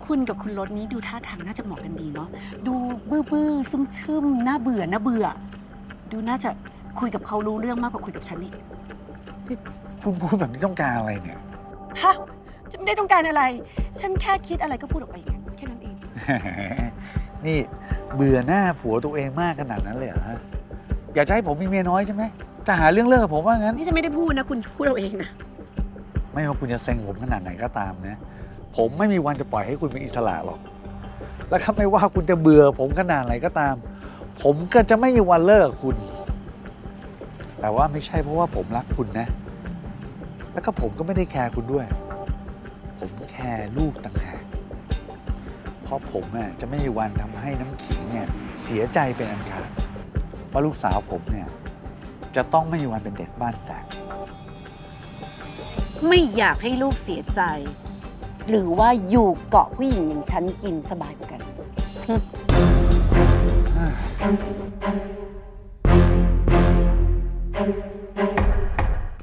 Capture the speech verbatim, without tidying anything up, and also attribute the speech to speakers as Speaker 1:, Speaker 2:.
Speaker 1: คุณกับคุณรถนี้ดูท่าทางน่าจะเหมาะกันดีเนาะดูบื้อบื้อซึมซึมน่าเบื่อน่าเบื่อ ดูน่าจะคุยกับเขารู้เรื่องมากกว่าคุยกับฉันอีก
Speaker 2: คุณพูดแบบนี้ต้องการอะไรเนี่ย
Speaker 1: ฮะจะไม่ได้ต้องการอะไร ฉันแค่คิดอะไรก็พูดออกไปอย่างนั้นแค่นั้นเอง
Speaker 2: นี่เบื่อหน้าผัวตัวเองมากขนาดนั้นเลยเหรอฮะอยากจะให้ผมมีเมียน้อยใช่ไหมจะหาเรื่องเลิกกับผมว่างั้น
Speaker 1: นี่ฉันไม่ได้พูดนะคุณพูดเอาเองนะ
Speaker 2: ไม่ว่าคุณจะเซ็งผมขนาดไหนก็ตามนะ ผมไม่มีวันจะปล่อยให้คุณเป็นอิสระหรอก แล้วถ้าไม่ว่าคุณจะเบื่อผมขนาดไหนก็ตาม ผมก็จะไม่มีวันเลิกกับคุณ แต่ว่าไม่ใช่เพราะว่าผมรักคุณนะ แล้วก็ผมก็ไม่ได้แคร์คุณด้วย ผมแคร์ลูกต่างหากเพราะผมอ่ะจะไม่มีวันทำให้น้ำขิงเนี่ยเสียใจเป็นอันขาดว่าลูกสาวผมเนี่ยจะต้องไม่มีวันเป็นเด็กบ้านแตก
Speaker 1: ไม่อยากให้ลูกเสียใจ หรือว่าอยู่เกาะผู้หญิงอย่างฉันกินสบายกว่ากัน
Speaker 2: อ่า